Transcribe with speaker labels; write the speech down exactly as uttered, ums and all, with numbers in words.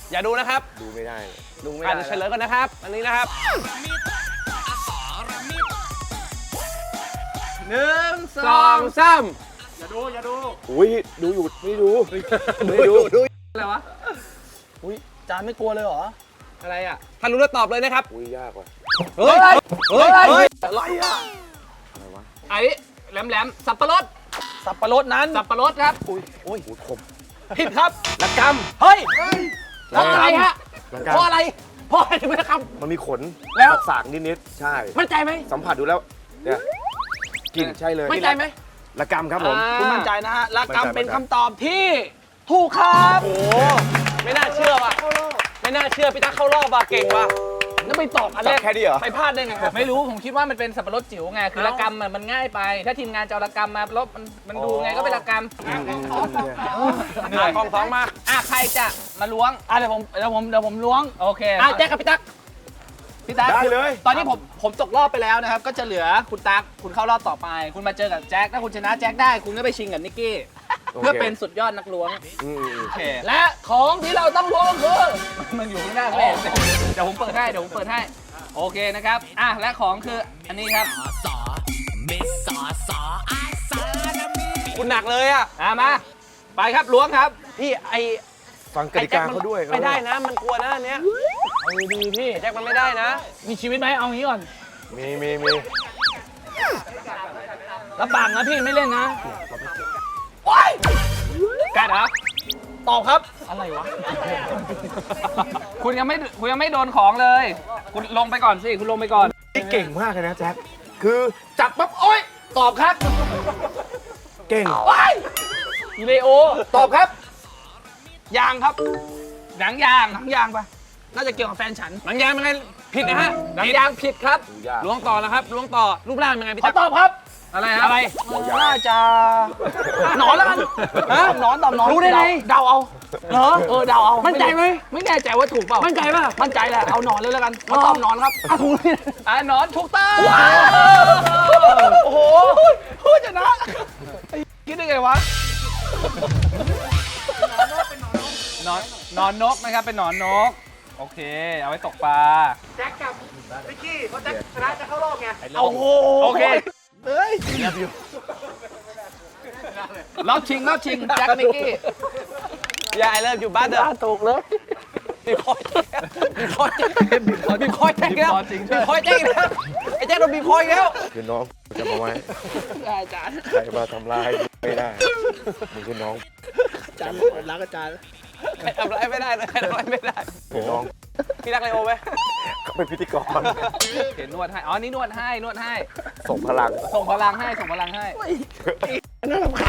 Speaker 1: อย่าดูนะครับ
Speaker 2: ดูไม่ได้
Speaker 1: ดูไม่ได้เฉลยก่อนนะครับอันนี้นะครับ
Speaker 3: หนึ่งส
Speaker 1: ส
Speaker 3: อ
Speaker 1: อง งสาม
Speaker 3: อย่าดูอย่าดู
Speaker 2: อุ้ยดูอยู่ไม่ดูไม่ดูดู
Speaker 3: อะไรวะ
Speaker 4: อุ้ยจานไม่กลัวเลยเหรอ
Speaker 3: อะไรอ่ะ
Speaker 1: ถ้ารู้แล้วตอบเลยนะครับ
Speaker 2: อุ้ยยากว่ะ
Speaker 1: เฮ้ยเฮ้ยเฮ้ย
Speaker 4: อะไรอ่ะ
Speaker 2: อะไรวะ
Speaker 3: ไอ้แหลมแหลมสับปะรด
Speaker 4: สับปะรดนั้น
Speaker 3: สับปะรดครับ
Speaker 4: อุ้ยอุ้ย
Speaker 2: อุ้ยคม
Speaker 4: ผิดครับ
Speaker 2: ระก
Speaker 4: เฮ้ย
Speaker 3: เพราะอะไรฮะ
Speaker 2: ำระ
Speaker 4: เพราะ
Speaker 2: กำ
Speaker 4: อะไรเพราะอะไรถึงไม่ได้ค
Speaker 2: มันมีขน
Speaker 4: แล้ว
Speaker 2: สากๆนิดๆใช่
Speaker 4: ำมั่นใจไหม
Speaker 2: สัมผัสดูแล้วเนี่ยกลิ่นใช่เลย
Speaker 4: มั่นใจไหม
Speaker 2: ระกำครับผม
Speaker 4: คุณมั่นใจนะฮะละ
Speaker 2: มั่นใจ
Speaker 4: กำเป็น
Speaker 2: มั่นใจ
Speaker 4: คำตอบที่ถูกครับ
Speaker 1: โอ้โหไม่น่าเชื่อว่ะไม่น่าเชื่อพี่ตั๊กเข้ารอบว่ะเก่งว่ะ
Speaker 4: แล้วไปตอบอันแรก
Speaker 2: แค่นี้เหรอ
Speaker 4: ไปพลาดได้ไงครับ
Speaker 3: ไม่รู้ผมคิดว่ามันเป็นสับปะรดจิ๋วไงคือระกำมันมันง่ายไป ถ้าทีมงานจะเอาระกำมาลบมันมันดูไงก็เป็นระก
Speaker 2: อืมอืมอืมเนี่ย
Speaker 1: เหนื่อยกองท้องมาก
Speaker 3: ำอ่ะใครจะมาล้วง
Speaker 4: อ่ะเดี๋ยวผมเดี๋ยวผมเดี๋ยวผมล้วง
Speaker 3: โอเค
Speaker 4: อ่ะแจ็คกับพี่ตั๊กพี่ตั๊ก
Speaker 2: ได้เลย
Speaker 4: ตอนนี้ผมผมตกรอบไปแล้วนะครับ ก็จะเหลือคุณตั๊กคุณเข้ารอบต่อไป คุณมาเจอกับแจ็คถ้าคุณชนะแจ็คได้คุณก็ไปชิงกับนิกกี้เพื่อเป็นสุดยอดนักล้วง
Speaker 2: อืมอืม
Speaker 3: โอเค
Speaker 4: และของที่เราต้องล้วงคือ
Speaker 3: มันอยู่ข้างหน้าแม่เดี๋ยวผมเปิดให้เดี๋ยวผมเปิดให้โอเคนะครับอ่ะและของคืออันนี้ครับ
Speaker 1: คุณหนักเลยอ่ะ
Speaker 3: อ่ะมาไปครับล้วงครับ
Speaker 1: พี่ไอ
Speaker 2: ฟังกติกาเขาด้วย
Speaker 1: ไม่ได้นะมันกลัวนะอันเนี้ย
Speaker 4: เอาดีๆพี่
Speaker 1: ไอ้แจ็คมันไม่ได้นะ
Speaker 4: มีชีวิตไหมเอางี้ก่อน
Speaker 2: มีมีมี
Speaker 4: รับปากนะพี่ไม่เล่นนะ
Speaker 3: กัดเหรอ
Speaker 4: ตอบครับอะไรวะ
Speaker 3: คุณยังไม่คุณยังไม่โดนของเลย คุณลงไปก่อนสิคุณลงไปก่อน
Speaker 2: นี่เก่งมากเลยนะแจ็คคือจับปั๊บโอ๊ย
Speaker 4: ตอบครับ
Speaker 2: เก่ง
Speaker 4: อีเลโอ
Speaker 2: ตอบครับ
Speaker 4: ยางครับ
Speaker 3: หนังยาง
Speaker 4: หนังยางปะน่าจะเกี่ยวกับแฟนฉัน
Speaker 1: หนังยางเป็นไงผิดนะฮะ
Speaker 4: หนังยางผิดครับ
Speaker 2: ยาก
Speaker 1: ล้วงต่อแล้วครับล้วงต่อรูปร่างเป็นไงพี่
Speaker 4: ขอ
Speaker 1: ตั๊ก
Speaker 4: ตอบครับ
Speaker 3: อะไรครับ
Speaker 1: อะไร
Speaker 4: น่าจะหนอนแล้วกัน
Speaker 1: ฮะ
Speaker 4: ตอบหนอนตอบหนอน
Speaker 1: รู้ได้ไง
Speaker 4: เดาเอาเหรอเออเดาเอา
Speaker 1: มั่นใจไหม
Speaker 4: ไม่แน่ใจว่าถูกเปล่า
Speaker 1: มั่นใจป่ะ
Speaker 4: มั่นใจแหละเอาหนอนเลยแล้วกันขอตอบหนอนครับอ่ะถูกเลย
Speaker 3: อ่ะหนอนถูกต้อง
Speaker 4: โอ้โหพูดชนะไอ้คิดได้ไงวะ
Speaker 3: หนอนหนอนนกนะครับเป็นหนอนนกโอเค เอาไว้ตกปลา
Speaker 4: โอ้โห
Speaker 3: โอเค
Speaker 4: เฮ้ย
Speaker 3: รอบชิงรอบชิงแจ็คนิกกี้
Speaker 1: อย่าไอเลิฟอยู่บ้านเด้อ
Speaker 4: ถูกเลย
Speaker 1: มีคอยมีคอยมีคอยแจ้งแล้วมีคอยแจ้งแล้วไอ้แจ้งโดนมีคอยแล้ว
Speaker 2: คือน้องจะมาไว้
Speaker 4: อาจารย์
Speaker 2: ใครมาทำร้ายไม่ได้มึงคือน้อง
Speaker 4: อาจารย์รักอาจารย์
Speaker 1: ใครทำอะไรไม่ได้เลยใครทำอะไรไม่ได้
Speaker 2: คือน้อง
Speaker 1: พี่รักเลโอไหม
Speaker 2: เขาเป็นพิธีกร
Speaker 3: เห็นนวดให้อ๋อนี่นวดให้นวดให้
Speaker 2: ส่งพลัง
Speaker 3: ส่งพลังให้ส่งพลังให้
Speaker 4: น่ารำคาญ